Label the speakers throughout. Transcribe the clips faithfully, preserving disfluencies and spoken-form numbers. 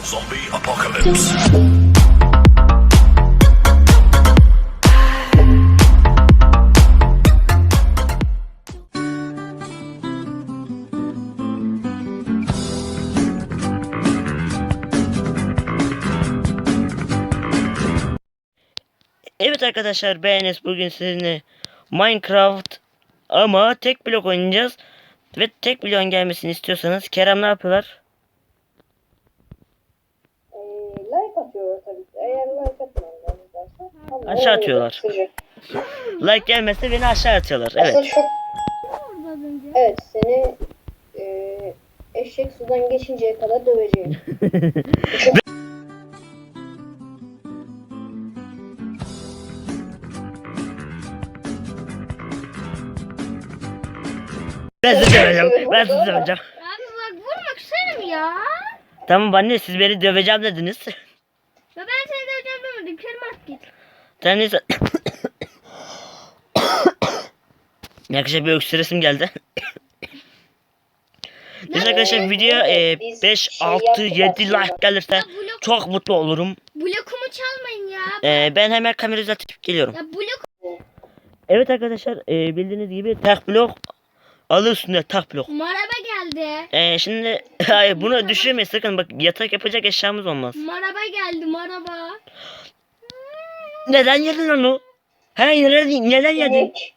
Speaker 1: Zombie apocalypse.
Speaker 2: Evet arkadaşlar, ben Enes. Bugün sizinle Minecraft ama tek blok oynayacağız. Ve tek bloğun gelmesini istiyorsanız Kerem ne yapıyorlar?
Speaker 3: Ee, like atıyor tabii ki. Eğer like atmayanlar
Speaker 2: Aşağı atıyorlar. Like gelmezse beni aşağı atıyorlar. Evet.
Speaker 3: Aslında çok... Evet, seni e, eşek sudan geçinceye kadar döveceğim.
Speaker 2: Ben sizi döveceğim. Ben sizi döveceğim.
Speaker 4: Abi bak vurmak isterim ya.
Speaker 2: Tamam anne, siz beni döveceğim dediniz.
Speaker 4: Ya ben seni döveceğim demedim. Kerim at git.
Speaker 2: Sen neyse. Arkadaşlar bir öksüresim geldi. Neyse arkadaşlar, videoya e,
Speaker 3: Biz
Speaker 2: beş,
Speaker 3: şey
Speaker 2: altı,
Speaker 3: yaptık
Speaker 2: yedi
Speaker 3: aslında.
Speaker 2: like gelirse
Speaker 4: Ya blok,
Speaker 2: çok mutlu olurum.
Speaker 4: blokumu çalmayın ya.
Speaker 2: E, ben hemen kamerayı uzatıp geliyorum.
Speaker 4: Ya blok.
Speaker 2: Evet arkadaşlar, e, bildiğiniz gibi tek blok alı üstünde tek blok.
Speaker 4: Maraba geldi.
Speaker 2: E, şimdi hayır, bunu düşürmeyin sakın, bak yatak yapacak eşyamız olmaz.
Speaker 4: Maraba geldi maraba.
Speaker 2: Neden yedin onu? He, neden, neden yedin?
Speaker 3: İnek.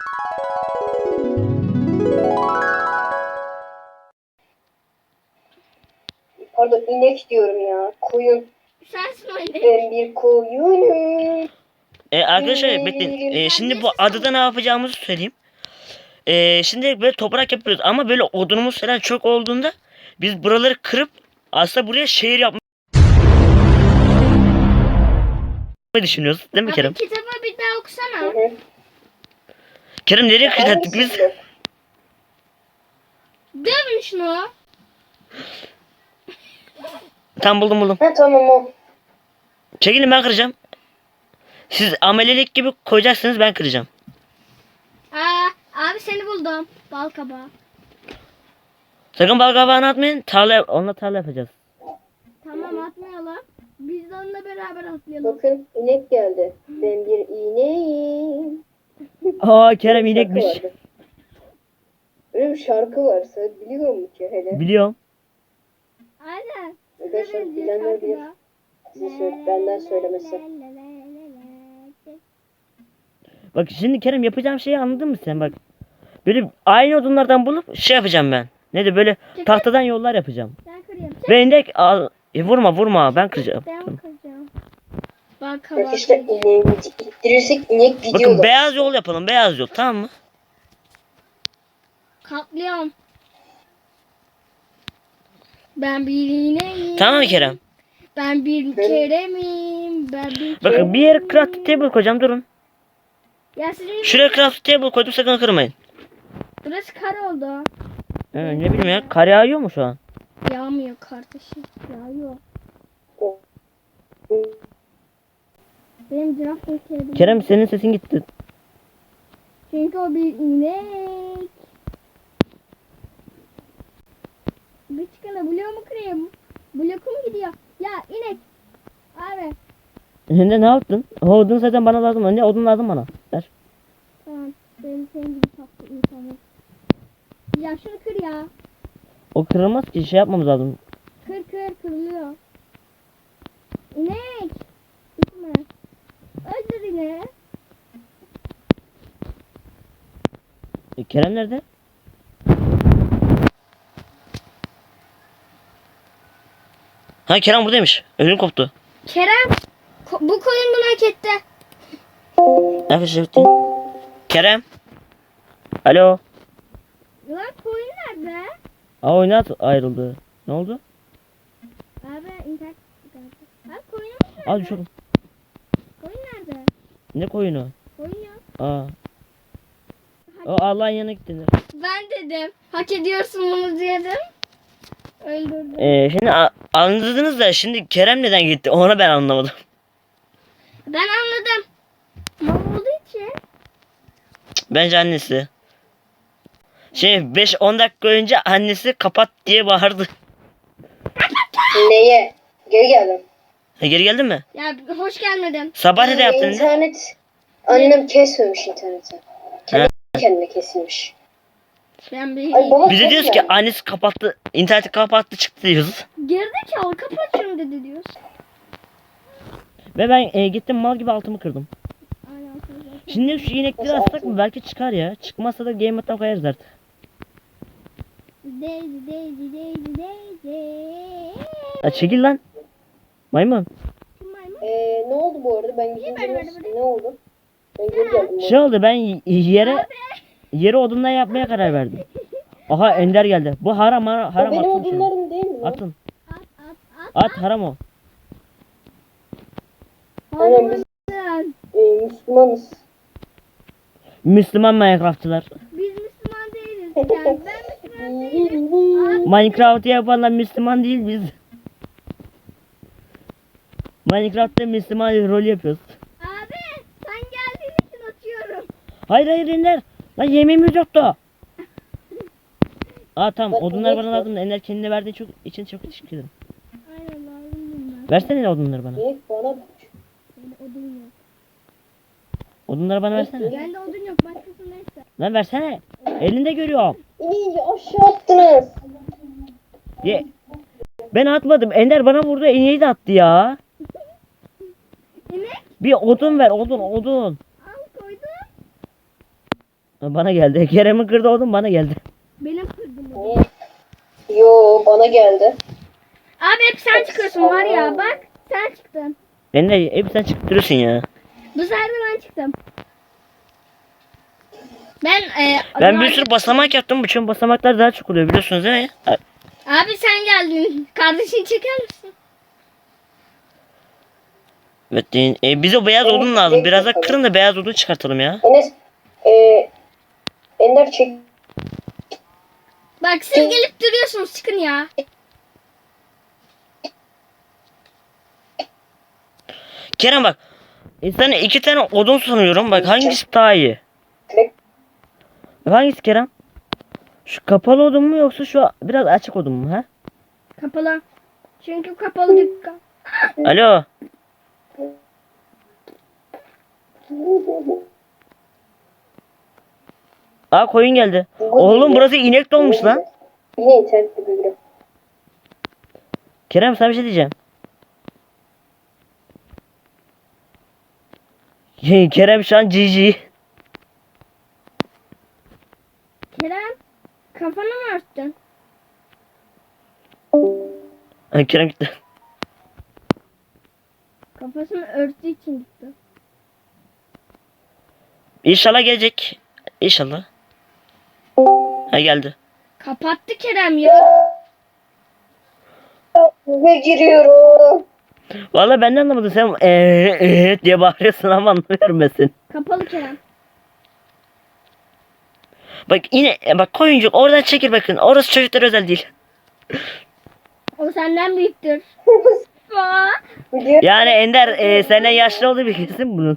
Speaker 3: Pardon, inek diyorum ya. Koyun.
Speaker 4: Sensin o inek.
Speaker 3: Ben bir koyunum.
Speaker 2: E, arkadaşlar bekleyin. E, şimdi bu adada ne yapacağımızı söyleyeyim. E, şimdi böyle toprak yapıyoruz ama böyle odunumuz falan çok olduğunda biz buraları kırıp aslında buraya şehir yapmayı düşünüyoruz. Değil mi
Speaker 4: Abi
Speaker 2: Kerem?
Speaker 4: kitabı bir daha okusana.
Speaker 3: Hı hı.
Speaker 2: Kerem nereye kırdık biz?
Speaker 3: Hangisi?
Speaker 4: Dövün şunu.
Speaker 2: Tam buldum buldum.
Speaker 3: Ha tamam o.
Speaker 2: Çekilin, ben kıracağım. Siz amelelik gibi koyacaksınız, ben kıracağım.
Speaker 4: Aa, abi seni buldum. Bal kabağı.
Speaker 2: Sakın bal kabağını atmayın. Tarla, onunla tarla yapacağız.
Speaker 4: Tamam atmayalım. Biz de onunla beraber atlayalım.
Speaker 3: Bakın inek geldi. Ben bir ineğim.
Speaker 2: Aa Kerem
Speaker 3: Şarkı
Speaker 2: inekmiş.
Speaker 3: vardı. Öyle bir şarkı var. Sen biliyor musun ki hele?
Speaker 2: Biliyorum.
Speaker 4: Aynen.
Speaker 3: Arkadaşlar bilenler bilir. Size söyle, benden söylemesi.
Speaker 2: Bak şimdi Kerem, yapacağım şeyi anladın mı sen bak. Böyle aynı odunlardan bulup şey yapacağım ben. Ne de böyle tahtadan yollar yapacağım.
Speaker 4: Ben kırayım.
Speaker 2: Ve inek al. E, vurma vurma, ben kıracağım.
Speaker 4: Ben
Speaker 2: Tamam.
Speaker 4: kıracağım. Bal kabağı.
Speaker 3: Arkadaşlar ineğimizi ittirirsek inek gidiyor.
Speaker 2: Bakın beyaz yol yapalım, beyaz yol, tamam mı?
Speaker 4: Katlıyorum. Ben bir ineğim.
Speaker 2: Tamam mı Kerem?
Speaker 4: Ben bir keremim. Ben bir
Speaker 2: Bakın bir yere craft table koyacağım, durun.
Speaker 4: Ya sizin
Speaker 2: Şuraya craft table koydum, sakın kırmayın.
Speaker 4: burası kar oldu.
Speaker 2: Evet, ne bileyim ya, kar yağıyor mu şu an?
Speaker 4: Yağmıyor kardeşim. Yağıyor. Benim draft bekledim.
Speaker 2: Kerem senin sesin gitti.
Speaker 4: Çünkü o bir inek. Bir çıkana bloğu mu kırayım? Blokum gidiyor. Ya inek. Abi.
Speaker 2: Ne ne yaptın? O odun zaten bana lazım. Ne odun lazım bana? Ver.
Speaker 4: Tamam. Benim senin gibi tatlı insanım. Ya şunu kır ya.
Speaker 2: O kırılmaz ki, şey yapmamız lazım.
Speaker 4: Kır kır kırılıyor. İnek. Gitme. Öldür ineği.
Speaker 2: E, Kerem nerede? Ha, Kerem buradaymış. Ölüm koptu.
Speaker 4: Kerem. ko- bu koyun bunu hak etti.
Speaker 2: Arkadaşlar bitti. Kerem. Alo.
Speaker 4: Lan koyun nerede?
Speaker 2: Aa, oyuna ayrıldı. Ne oldu?
Speaker 4: Abi internet. Abi koyun nerede?
Speaker 2: Al düşürdüm.
Speaker 4: Koyun nerede?
Speaker 2: Ne koyunu?
Speaker 4: Koyun yok.
Speaker 2: Aa. O Allah'ın yanına gittiler.
Speaker 4: Ben dedim. Hak ediyorsun bunu dedim. Öldürdüm.
Speaker 2: Ee, şimdi a- anladınız da şimdi Kerem neden gitti? Onu ben anlamadım.
Speaker 4: Ben anladım. Mal olduğu için.
Speaker 2: Bence annesi. Şey beş on dakika önce annesi kapat diye bağırdı.
Speaker 3: Neye? Geri geldim.
Speaker 2: Ha, geri geldin mi?
Speaker 4: Ya hoş gelmedin.
Speaker 2: Sabah ne de yaptın? Ne?
Speaker 3: İnternet. Annem kesmemiş interneti. Kendi
Speaker 2: Ha.
Speaker 3: kendine kesilmiş.
Speaker 4: Ben bir
Speaker 3: Ay baba
Speaker 2: Bize diyoruz ki
Speaker 3: kesme.
Speaker 2: annesi kapattı, interneti kapattı çıktı diyoruz.
Speaker 4: gerizekalı kapat şunu dedi diyoruz.
Speaker 2: Ve ben e, gittim mal gibi altımı kırdım.
Speaker 4: Aynen.
Speaker 2: Şimdi şu inekleri
Speaker 3: Nasıl
Speaker 2: atsak
Speaker 3: altın?
Speaker 2: mı? Belki çıkar ya. Çıkmazsa da game mode'dan koyarız artık.
Speaker 4: Daisy Daisy Daisy Daisy.
Speaker 2: Ya çekil lan. Maymun.
Speaker 4: Kim maymun?
Speaker 3: Ee, ne oldu bu arada? Ben gidince
Speaker 4: böyle,
Speaker 3: nasıl- ne oldu? Ben geri geldim.
Speaker 2: Şey oldu, ben y- yere yere odundan yapmaya karar verdim. Aha Ender geldi. Bu haram haram,
Speaker 3: O
Speaker 2: haram
Speaker 3: benim
Speaker 2: atın şunu.
Speaker 3: odunlarım değil mi? lan?
Speaker 2: Atın.
Speaker 4: At at at.
Speaker 2: At haram o.
Speaker 3: Aynen biz
Speaker 4: Sen.
Speaker 3: e, Müslümanız.
Speaker 2: Müslüman Minecraftçılar.
Speaker 4: Biz Müslüman değiliz. Yani ben Müslüman değilim.
Speaker 2: Minecraft'ı yapanlar Müslüman değil biz. Minecraft'ta Müslüman rol yapıyoruz.
Speaker 4: Abi sen geldiğin için atıyorum.
Speaker 2: Hayır hayır Ender. Lan yemeğimiz yoktu. Aa tamam,
Speaker 3: Bak,
Speaker 2: odunlar bana
Speaker 3: yemek
Speaker 2: lazım. Ender kendine verdiğin çok için çok teşekkür ederim.
Speaker 4: Aynen lazım ben.
Speaker 2: Versene odunları bana.
Speaker 3: Direkt bana bak.
Speaker 4: Bende odun yok.
Speaker 2: Odunları bana versene.
Speaker 4: Bende odun yok. Başkası neyse.
Speaker 2: Lan versene. Elinde görüyorum.
Speaker 3: İyi aşağı attınız.
Speaker 2: Ye. Ben atmadım. Ender bana vurdu. İneği de attı ya.
Speaker 4: İnek
Speaker 2: Bir odun ver. Odun odun.
Speaker 4: al koydum.
Speaker 2: Bana geldi. Kerem'in kırdı odun bana geldi.
Speaker 4: Benim kırdım onu.
Speaker 3: Niye? Yo bana geldi.
Speaker 4: Abi hep sen çıkıyorsun var ya bak. Sen çıktın.
Speaker 2: Ender hep sen çıktırıyorsun ya.
Speaker 4: Bu sefer de ben çıktım. Ben e,
Speaker 2: Ben bir
Speaker 4: daha-
Speaker 2: sürü basamak yaptım. Bu çünkü basamaklar daha çok oluyor biliyorsunuz değil mi?
Speaker 4: Abi sen geldin. Kardeşini çeker misin?
Speaker 2: Evet. E, bize beyaz
Speaker 3: Evet,
Speaker 2: odun lazım.
Speaker 3: evet,
Speaker 2: Biraz da
Speaker 3: tabii.
Speaker 2: kırın da beyaz odun çıkartalım ya.
Speaker 3: Enes e, Ender çek.
Speaker 4: Bak siz gelip duruyorsunuz çıkın ya.
Speaker 2: Kerem bak. E, sana iki tane odun sunuyorum. Bak hangisi daha iyi?
Speaker 3: Bek-
Speaker 2: Bak, hangisi Kerem? Şu kapalı odun mu yoksa şu biraz açık odun mu ha?
Speaker 4: Kapalı. Çünkü kapalı dükkan.
Speaker 2: Alo. Aa koyun geldi. Oğlum burası inek dolmuş lan.
Speaker 3: Yine internette bildim.
Speaker 2: Kerem sana bir şey diyeceğim. Kerem şu an G G.
Speaker 4: Kerem kafanı mı örttün?
Speaker 2: Ay, Kerem gitti.
Speaker 4: Kafasını örttüğü için gitti.
Speaker 2: İnşallah gelecek. İnşallah. Ha geldi.
Speaker 4: Kapattı Kerem ya.
Speaker 3: Ve giriyorum.
Speaker 2: Vallahi ben de anlamadım. Sen eee ee, diye bağırıyorsun ama anlamıyorum ben seni.
Speaker 4: Kapalı Kerem.
Speaker 2: Bak yine e, bak koyuncuk oradan çekil bakın. Orası çocuklar özel değil.
Speaker 4: O senden büyüktür. Aa,
Speaker 3: Video
Speaker 2: Yani Ender e, senden yaşlı olduğu bir kesin bunun.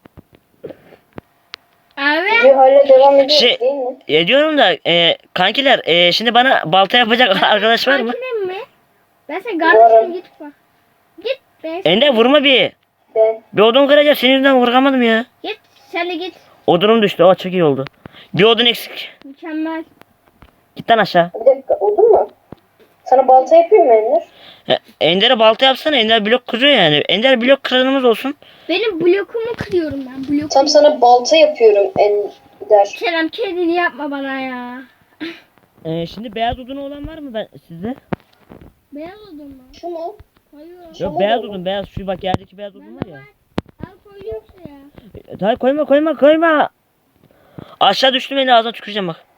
Speaker 4: Abi
Speaker 3: video hala devam ediyor
Speaker 2: Şey-
Speaker 3: değil mi?
Speaker 2: E, diyorum da e, kankiler e, şimdi bana balta yapacak arkadaş var mı?
Speaker 4: makinem mi? Ben sen kardeşim git bak. Git be.
Speaker 2: Ender vurma bir.
Speaker 3: Ben.
Speaker 2: Bir odun kıracağım. Senin yüzünden vuramadım ya.
Speaker 4: Git sen de git.
Speaker 2: Odunum düştü. O çok iyi oldu. Bir odun eksik.
Speaker 4: Mükemmel.
Speaker 2: Git lan aşağı.
Speaker 3: Bir dakika olur mu? Sana balta yapayım mı Ender?
Speaker 2: E, Ender'e balta yapsana. Ender blok kırıyor yani. Ender blok kıranımız olsun.
Speaker 4: Benim blokumu kırıyorum ben. Blokumu.
Speaker 3: Tam sana balta yapıyorum Ender.
Speaker 4: Kerem kedini yapma bana ya.
Speaker 2: E, şimdi beyaz odunu olan var mı ben sizde?
Speaker 4: Beyaz odun mu?
Speaker 3: Şu mu?
Speaker 4: Hayır.
Speaker 2: Yok
Speaker 3: Tamam
Speaker 2: beyaz
Speaker 3: oğlum.
Speaker 2: odun beyaz. Şu bak yerdeki beyaz odun var
Speaker 4: Bende
Speaker 2: ya.
Speaker 4: var. Al koyuyorum şuraya.
Speaker 2: E, hayır koyma koyma koyma. Aşağı düştüm beni ağzına tüküreceğim bak.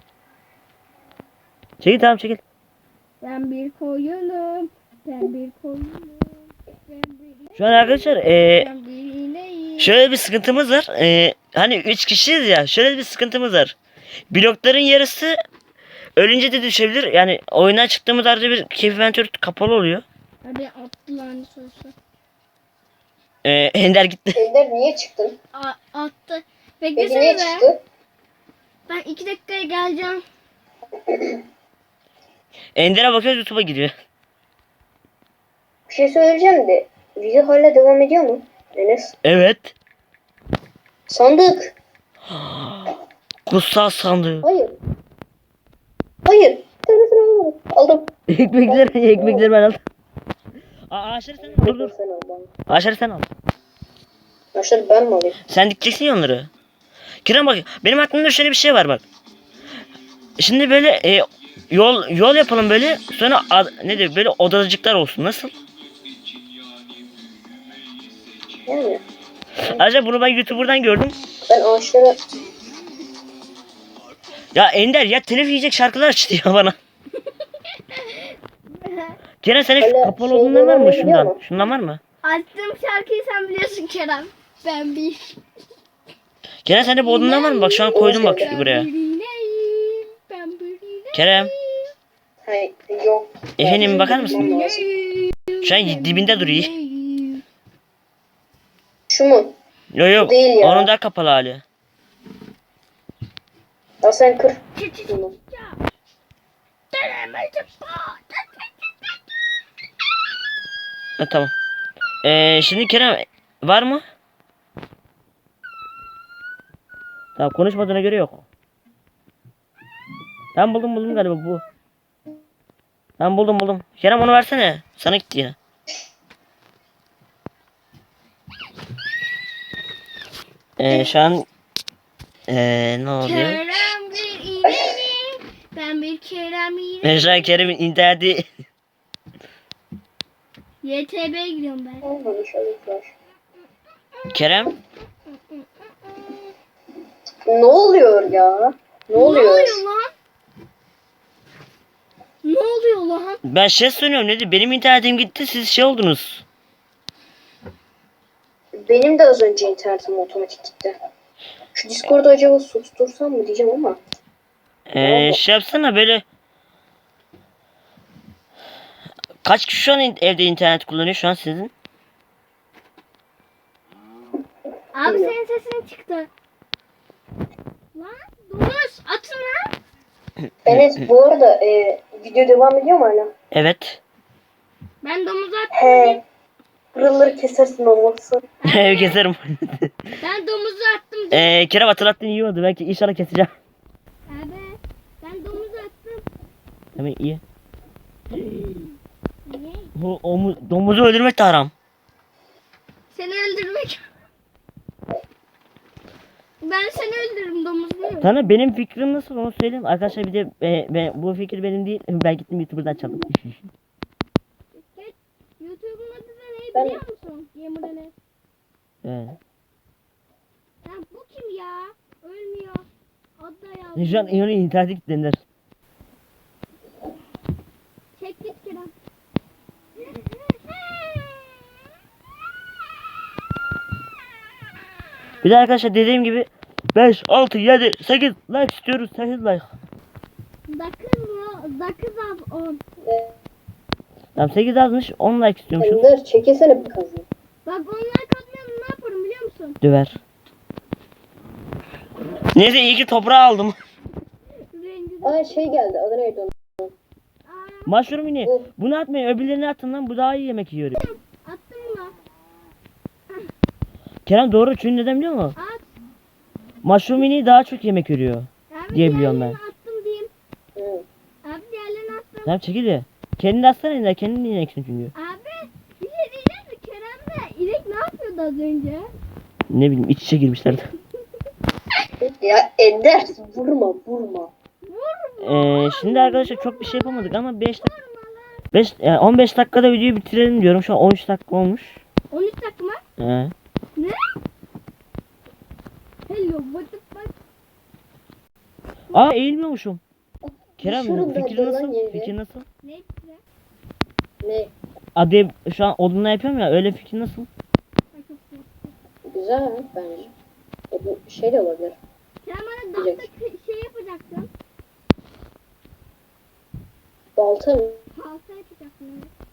Speaker 2: Çekil tamam çekil.
Speaker 4: Ben bir koyunum. Ben bir koyunum. Ben bir
Speaker 2: Şu an arkadaşlar e,
Speaker 4: Ben bir ineğim.
Speaker 2: şöyle bir sıkıntımız var. E, hani üç kişiyiz ya. Şöyle bir sıkıntımız var. Blokların yarısı ölünce de düşebilir. Yani oyundan çıktığımız arada bir keyif ventür kapalı oluyor.
Speaker 4: Hadi attı lanet olsun.
Speaker 2: E, Ender gitti.
Speaker 3: Ender niye çıktın?
Speaker 4: A attı.
Speaker 3: Peki
Speaker 4: Beklesene
Speaker 3: niye
Speaker 4: be.
Speaker 3: çıktı?
Speaker 4: Ben iki dakikaya geleceğim.
Speaker 2: Ender'e bakıyoruz YouTube'a giriyor.
Speaker 3: Bir şey söyleyeceğim de video hala devam ediyor mu? Enes.
Speaker 2: Evet.
Speaker 3: Sandık.
Speaker 2: Kutsal sandığı.
Speaker 3: Hayır. Hayır. Tanesini almadım. Aldım.
Speaker 2: ekmekler, ekmekleri ben aldım. Aa, ağaçları sen al. Dur dur.
Speaker 3: Sen al bana.
Speaker 2: Ağaçları sen al.
Speaker 3: Başları ben mi alayım?
Speaker 2: Sen dikeceksin ya onları. Kerem bak, benim aklımda şöyle bir şey var bak. Şimdi böyle e, yol yol yapalım böyle. Sonra ad, ne diyor böyle odacıklar olsun. Nasıl?
Speaker 3: Yani.
Speaker 2: Ayrıca bunu ben YouTuber'dan gördüm.
Speaker 3: Ben ağaçlara...
Speaker 2: Ya Ender ya telif yiyecek şarkılar açtı ya bana. Kerem senin
Speaker 3: Öyle
Speaker 2: kapalı
Speaker 3: şey
Speaker 2: olduğundan var mı
Speaker 3: devam ediyor
Speaker 2: şundan?
Speaker 3: mu?
Speaker 2: Şundan var mı?
Speaker 4: Açtığım şarkıyı sen biliyorsun Kerem. Ben bir.
Speaker 2: Kerem sende bu odundan var mı? Bak şu an koydum bak şu buraya.
Speaker 4: Ben bir.
Speaker 2: Kerem.
Speaker 3: Hayır yok.
Speaker 2: Efendim bakar
Speaker 3: Bakmam
Speaker 2: mısın?
Speaker 3: lazım.
Speaker 2: Şu an dibinde duruyor.
Speaker 3: Şu mu?
Speaker 2: Yok yok.
Speaker 3: Değil ya.
Speaker 2: Onun daha kapalı hali.
Speaker 3: Ya sen kır. Bunu.
Speaker 2: Ha, tamam. Ee, şimdi Kerem var mı? Tamam konuşmadığına göre yok. Ben buldum buldum galiba bu. Ben buldum buldum. Kerem onu versene. Sana gitti yine. Ee, şu an ee, ne oluyor?
Speaker 4: Kerem bir iğnenim. Ben bir Kerem iğnenim.
Speaker 2: Ben şu an Kerem'in interneti
Speaker 4: Y T B'ye gidiyorum ben.
Speaker 3: Olmadı şöyle flash.
Speaker 2: Kerem
Speaker 3: Ne oluyor ya? Ne
Speaker 4: Ne
Speaker 3: oluyor?
Speaker 4: oluyor lan? Ne oluyor lan?
Speaker 2: ben şey söylüyorum ne benim internetim gitti siz şey oldunuz.
Speaker 3: Benim de az önce internetim otomatik gitti. Şu Discord'u acaba sustursam mı diyeceğim ama.
Speaker 2: Ee, şey yapsana böyle kaç kişi şu an in- evde internet kullanıyor şu an sizin?
Speaker 4: Abi senin sesin çıktı. Lan domuz atın lan.
Speaker 3: Enes bu arada e, video devam ediyor mu hala?
Speaker 2: Evet.
Speaker 4: Ben domuzu attım.
Speaker 3: He. Buraları kesersin olmazsa.
Speaker 2: Ev keserim.
Speaker 4: Ben domuzu attım.
Speaker 2: Ee, Kerem hatırlattın iyi oldu belki inşallah keseceğim.
Speaker 4: Abi ben domuzu attım.
Speaker 2: Tamam iyi.
Speaker 4: Ne?
Speaker 2: Bu omu, domuzu öldürmek de haram.
Speaker 4: Seni öldürmek. Ben seni öldürürüm domuz değil mi?
Speaker 2: Sana benim fikrim nasıl onu söyleyeyim. Arkadaşlar bir de e, ben, bu fikir benim değil. Ben gittim YouTuber'dan çaldım.
Speaker 4: Geç. YouTube'un adı da ne
Speaker 3: Ben-
Speaker 4: biliyor musun? Yemin ederim.
Speaker 2: Evet.
Speaker 4: Ya bu kim ya? Ölmüyor. Adı da yazdı.
Speaker 2: Şu an İyon'un interneti kilitlenir.
Speaker 4: Çek git Kerem.
Speaker 2: Bir de arkadaşlar dediğim gibi beş, altı, yedi, sekiz like istiyoruz. sekiz like.
Speaker 4: Dokuz mu? Dokuz az on.
Speaker 3: E,
Speaker 2: Tamam sekiz yazmış on like istiyormuşuz.
Speaker 3: Ender çekesene bir kazı.
Speaker 4: Bak onlar katmayalım ne yaparım biliyor musun?
Speaker 2: Döver. Neyse iyi ki toprağı aldım.
Speaker 4: Rengi
Speaker 3: Aa şey geldi. Adı neydi onun?
Speaker 4: Aa,
Speaker 2: Mushroom yine.
Speaker 3: Of.
Speaker 2: Bunu atmayın öbürlerini atın lan bu daha iyi yemek yiyor.
Speaker 4: attım mı?
Speaker 2: Kerem doğru çünkü neden biliyor musun?
Speaker 4: At.
Speaker 2: Mushroom yine daha çok yemek yiyor.
Speaker 4: Abi
Speaker 2: Diye biliyorum
Speaker 4: diğerlerini attım diyeyim.
Speaker 3: Hı.
Speaker 4: Abi diğerlerini attım.
Speaker 2: Tamam çekil ya. Kendini atsana yine kendini yiyeceksin çünkü.
Speaker 4: Abi bir şey diyeceğim mi? Kerem'le İrek ne yapıyordu az önce?
Speaker 2: Ne bileyim iç içe girmişlerdi.
Speaker 3: Ya Ender vurma vurma.
Speaker 2: Ee, şimdi arkadaşlar çok bir şey yapamadık ama beş dakika beş, yani on beş dakikada videoyu bitirelim diyorum. Şu an on üç dakika olmuş.
Speaker 4: on üç dakika mı?
Speaker 2: Ee,
Speaker 4: Ne? Hello what the fuck?
Speaker 2: aa eğilmiyormuşum. Kerem
Speaker 3: Şurada
Speaker 2: fikri
Speaker 3: dolan
Speaker 2: nasıl?
Speaker 3: yeri.
Speaker 2: Fikri nasıl?
Speaker 4: Ne işte?
Speaker 3: Ne?
Speaker 2: Adı şu an odunla yapıyorum ya öyle fikri nasıl?
Speaker 3: Güzel bence. E, bu şey de olabilir.
Speaker 4: Sen bana
Speaker 3: Güzel.
Speaker 4: dağda kı- şey yapacaksın.
Speaker 3: Balta mı?
Speaker 4: Halsa yapacaksın.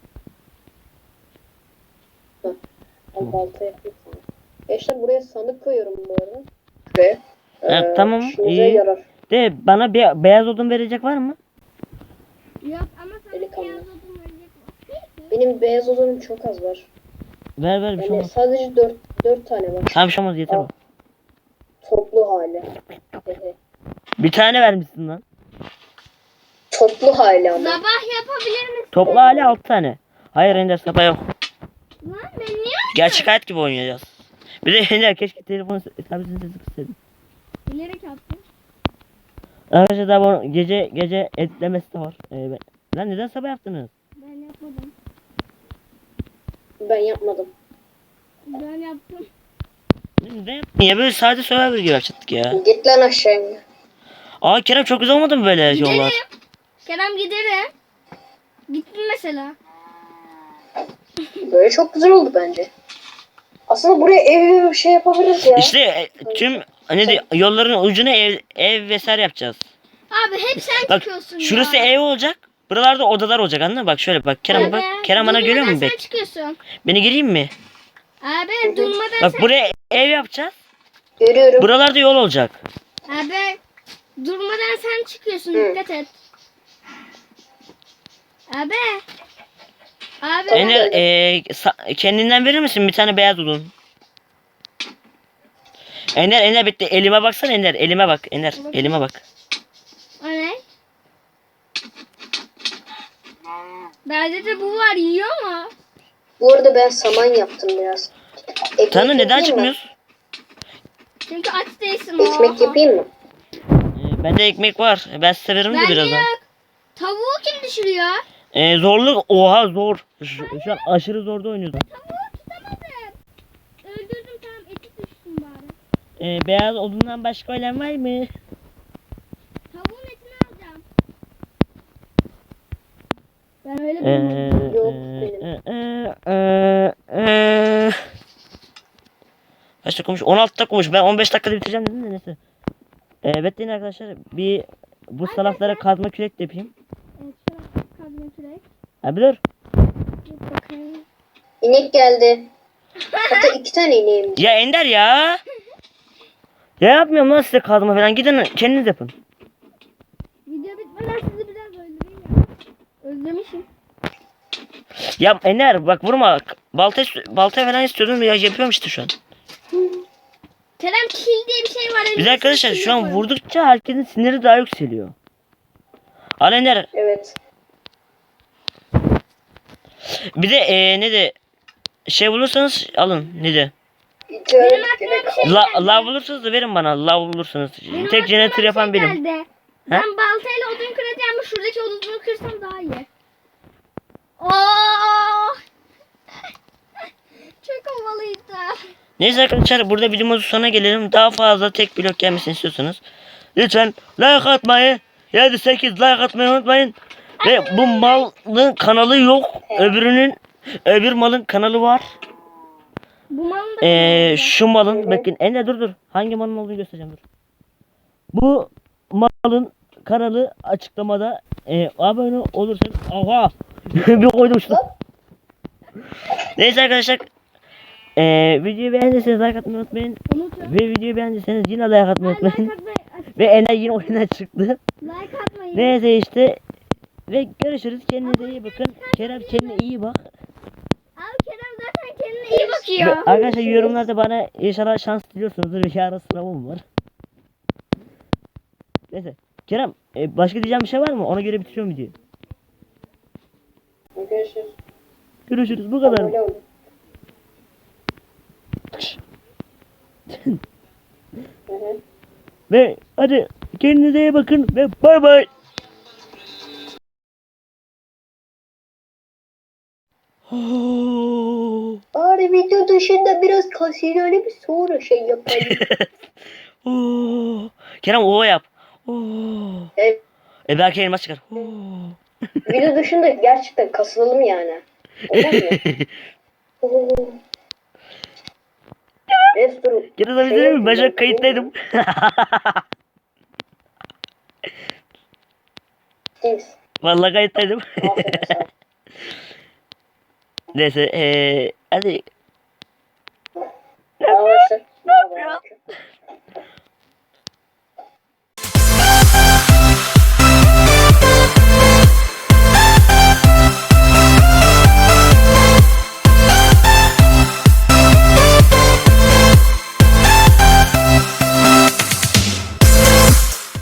Speaker 3: Hı. Ben balta yapayım sana. Gençler buraya sandık koyuyorum bu arada. Ve
Speaker 2: Ha, tamam,
Speaker 3: işinize
Speaker 2: iyi.
Speaker 3: yarar.
Speaker 2: De bana bir beyaz odun verecek var mı?
Speaker 4: Yok ama sana
Speaker 3: Delikanlı.
Speaker 4: beyaz odun verecek var.
Speaker 3: Benim beyaz odunum çok az var.
Speaker 2: Ver ver bir şey
Speaker 3: Yani
Speaker 2: olmaz.
Speaker 3: sadece dört dört tane var.
Speaker 2: Tamam bir şey olmaz yeter
Speaker 3: Al.
Speaker 2: o.
Speaker 3: Toplu hali. Hehe.
Speaker 2: Bir tane vermişsin lan.
Speaker 3: Toplu hali ama.
Speaker 4: Sabah yapabilir misin?
Speaker 2: Toplu hali altı tane. Hayır Ender sapa yok.
Speaker 4: Lan ben niye?
Speaker 2: Gerçek hayat gibi oynayacağız. Bir de Ender keşke telefonu tabletin sesi kısaydım.
Speaker 4: Bilerek yaptım.
Speaker 2: Arkadaşlar daha bu gece gece etlemesi de var. Ee, ben... Lan neden sabah yaptınız?
Speaker 4: Ben yapmadım.
Speaker 3: Ben yapmadım.
Speaker 4: Ben yaptım.
Speaker 2: Neden yaptın ya böyle sade Survivor gibi yapacaktık ya.
Speaker 3: Git lan aşağıya.
Speaker 2: Aa Kerem çok güzel olmadı mı böyle yollar?
Speaker 4: Gidelim. Kerem gidelim. Gittin mesela.
Speaker 3: Böyle çok güzel oldu bence. Aslında buraya ev bir şey yapabiliriz ya.
Speaker 2: İşte e, tüm ne de yolların ucuna ev ev vesaire yapacağız.
Speaker 4: Abi hep sen
Speaker 2: Bak
Speaker 4: çıkıyorsun
Speaker 2: şurası
Speaker 4: ya.
Speaker 2: ev olacak. Buralarda odalar olacak anladın mı? Bak şöyle bak Kerem
Speaker 4: Abi,
Speaker 2: bak. Kerem bana görüyor
Speaker 4: durmadan
Speaker 2: musun
Speaker 4: sen
Speaker 2: bek?
Speaker 4: çıkıyorsun.
Speaker 2: Beni gireyim mi?
Speaker 4: Abi durmadan
Speaker 2: Bak
Speaker 4: sen...
Speaker 2: buraya ev yapacağız.
Speaker 3: Görüyorum.
Speaker 2: Buralarda yol olacak.
Speaker 4: Abi durmadan sen çıkıyorsun.
Speaker 3: Hı.
Speaker 4: Dikkat et. Abi. Abi.
Speaker 3: Tamam.
Speaker 2: Ener e, sa- kendinden verir misin bir tane beyaz odun? Ener Ener bitti. Elime baksana Ener. Elime bak Ener. Elime bak.
Speaker 4: O ne? Bende de bu var, yiyor mu?
Speaker 3: Bu arada ben saman yaptım biraz. Ekmek
Speaker 2: Tanrı neden
Speaker 3: yapayım mı?
Speaker 2: çıkmıyorsun?
Speaker 4: Çünkü aç değilsin.
Speaker 3: Ekmek
Speaker 4: oha.
Speaker 3: yapayım mı?
Speaker 2: E, bende ekmek var. Ben size veririm de
Speaker 4: Bende
Speaker 2: birazdan.
Speaker 4: yok. Tavuğu kim düşürüyor?
Speaker 2: E, zorluk oha zor. Şu, şu an aşırı zorda oynuyoruz.
Speaker 4: Tavuğu tutamadım. Öldürdüm, tamam, eti düşsün bari.
Speaker 2: E, beyaz odundan başka ölen var mı?
Speaker 4: Tavuğun etini alacağım. Ben öyle
Speaker 2: Ee,
Speaker 4: bilmiyorum.
Speaker 3: Yok,
Speaker 2: e,
Speaker 3: benim.
Speaker 2: e, e, e. Kaç dakika olmuş? on altı dakika olmuş. Ben on beş dakikada bitireceğim dedim de neyse. Ee, bekleyin arkadaşlar. Bir bu salaklara kazma kürek de yapayım.
Speaker 4: Evet, şöyle kazma kürek.
Speaker 2: Abi dur.
Speaker 4: Bir bakayım.
Speaker 3: İnek geldi. Hatta iki tane ineğim.
Speaker 2: Ya Ender ya. Ya yapmıyorum lan size kazma falan. Gidin kendiniz yapın.
Speaker 4: Video bitmeden sizi biraz öldüreyim ya. Özlemişim.
Speaker 2: Ya Ender bak vurma. Balta balta falan istiyordum ya yapıyorum işte şu an.
Speaker 4: Kerem, kill diye bir şey var.
Speaker 2: Biz
Speaker 4: elimizde
Speaker 2: arkadaşlar
Speaker 4: kill
Speaker 2: şu an
Speaker 4: yapalım.
Speaker 2: vurdukça herkesin siniri daha yükseliyor. Al Ender.
Speaker 3: Evet.
Speaker 2: Bir de ee, ne de şey bulursanız alın ne de.
Speaker 4: Benim
Speaker 3: Benim
Speaker 4: aklıma bir şey
Speaker 2: La,
Speaker 4: geldi.
Speaker 2: lav bulursanız da verin bana. Lav bulursanız.
Speaker 4: Benim
Speaker 2: Tek
Speaker 4: aklıma
Speaker 2: jeneratör
Speaker 4: bir
Speaker 2: yapan
Speaker 4: şey
Speaker 2: benim.
Speaker 4: geldi. Ben baltayla odun kıracağım ama şuradaki odunu kırsam daha iyi. Oo! Çok havalıydı.
Speaker 2: Neyse arkadaşlar burada videomuzun sonuna gelelim. Daha fazla tek blok gelmesini istiyorsanız lütfen like atmayı, yedi sekiz like atmayı unutmayın. Ve bu malın kanalı yok. Öbürünün öbür malın kanalı var.
Speaker 4: Bu malın da
Speaker 2: Ee,
Speaker 4: kanalı
Speaker 2: şu malın bakın Ender dur dur. Hangi malın olduğunu göstereceğim dur. Bu malın kanalı açıklamada. Ee, abone olursanız aha bir koydum şunu. Neyse arkadaşlar. Ee, videoyu beğendiyseniz like atmayı unutmayın.
Speaker 4: Unutun.
Speaker 2: Ve videoyu beğendiyseniz yine like atmayı
Speaker 4: Like
Speaker 2: unutmayın.
Speaker 4: atmayı,
Speaker 2: Ve Ender yine oyundan çıktı.
Speaker 4: like atmayı.
Speaker 2: Neyse işte. Ve görüşürüz. Kendinize iyi bakın. Kerem kendine iyi bak.
Speaker 4: Abi Kerem zaten kendine iyi
Speaker 2: Ve
Speaker 4: bakıyor.
Speaker 2: arkadaşlar yorumlarda bana inşallah şans diliyorsunuzdur. Bir yarın sınavım var. Neyse. Kerem e, başka diyeceğim bir şey var mı? Ona göre bitiriyorum videoyu.
Speaker 3: Görüşürüz.
Speaker 2: Görüşürüz. Bu kadar.
Speaker 3: Abone olun. Hı hı.
Speaker 2: Ve hadi kendinize iyi bakın ve bay bay. Oh.
Speaker 3: Bari video dışında biraz kasinoyla bir sonra şey yapalım.
Speaker 2: Oh. Kerem o yap. Oh.
Speaker 3: Evet.
Speaker 2: E belki elmas çıkar. Oh.
Speaker 3: Video dışında gerçekten kasılalım yani. Olur mu? Oo. Restore.
Speaker 2: Kerem sana bir şey diyeyim mi? Ben şu an kayıttaydım.
Speaker 3: Thanks.
Speaker 2: Vallahi kayıttaydım.
Speaker 3: Aferin sana.
Speaker 2: Neyse eee hadi.
Speaker 3: Arkadaşlar. Ne yapıyorsun?